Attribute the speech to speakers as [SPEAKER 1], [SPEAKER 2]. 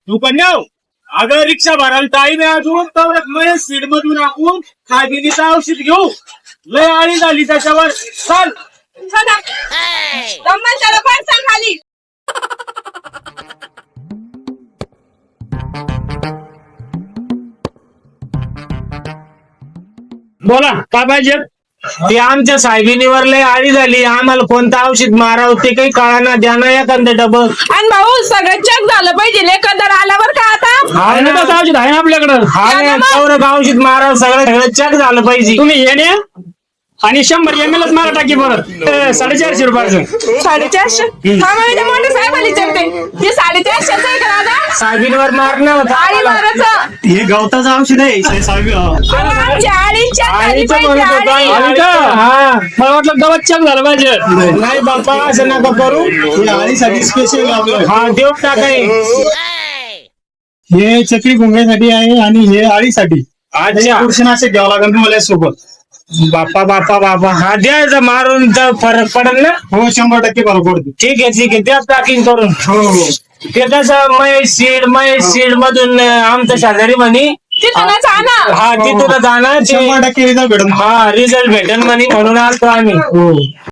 [SPEAKER 1] तू पण येऊ. अगं रिक्षा भरायला टाईम आहे अजून, तर महेश सीड मधून आपण खागिनीचं औषध घेऊ. लय आळी झाली त्याच्यावर. चल
[SPEAKER 2] खाली
[SPEAKER 1] बोला काय पाहिजे. ते आमच्या साहेबीनीवर लय आळी झाली, आम्हाला कोणतं औषध मारावं ते काही कळाना. द्या ना एखादं डबल.
[SPEAKER 2] आणि भाऊ सगळं चेक झालं पाहिजे, एकंदर आल्यावर का आता
[SPEAKER 1] औषध आहे आपल्याकडं. हा औषध मारावं, सगळं चेक झालं पाहिजे. तुम्ही येणे आणि 100 ml मारा टाकी परत. 450 रुपयाचं.
[SPEAKER 2] 450. मोठे साहेब आली चलते ते 450 आहे का दादा?
[SPEAKER 1] साहेबींवर मारणं होतं
[SPEAKER 2] आळी
[SPEAKER 1] आम्हाला.
[SPEAKER 2] मारायचं.
[SPEAKER 3] हे गवताचं औषध आहे
[SPEAKER 2] आमच्या आळीच्या खाली
[SPEAKER 1] आळीचं
[SPEAKER 2] पाहिजे,
[SPEAKER 1] म्हणत होतो.
[SPEAKER 2] आळी.
[SPEAKER 1] आळी का? हा. मला वाटलं गवत चेक झालं पाहिजे. नाही बाप्पा असं नका करू.
[SPEAKER 3] हे आळीसाठी स्पेशल लावलं.
[SPEAKER 1] हा देऊन टाकाय.
[SPEAKER 3] हे चक्री गुंग्यासाठी आहे आणि हे आळीसाठी.
[SPEAKER 1] अच्छा
[SPEAKER 3] पुरुषनाशक घ्यावं लागेल तुम्हाला सोबत.
[SPEAKER 1] बाप्पा बाप्पा बाप्पा हा द्यायचं मारून तर फरक पडेल ना.
[SPEAKER 3] हो 100% बरोबर पडते.
[SPEAKER 1] ठीक आहे त्याच पॅकिंग करून.
[SPEAKER 3] हो हो
[SPEAKER 1] ते कसं महेश सीड मधून आमचं शेजारी म्हणे.
[SPEAKER 2] तिथूनच आणा.
[SPEAKER 1] हा तिथून जाणार.
[SPEAKER 3] 100% रिझल्ट भेटून.
[SPEAKER 1] हा रिझल्ट भेटेल म्हणे, म्हणून आलतो आम्ही.
[SPEAKER 3] हो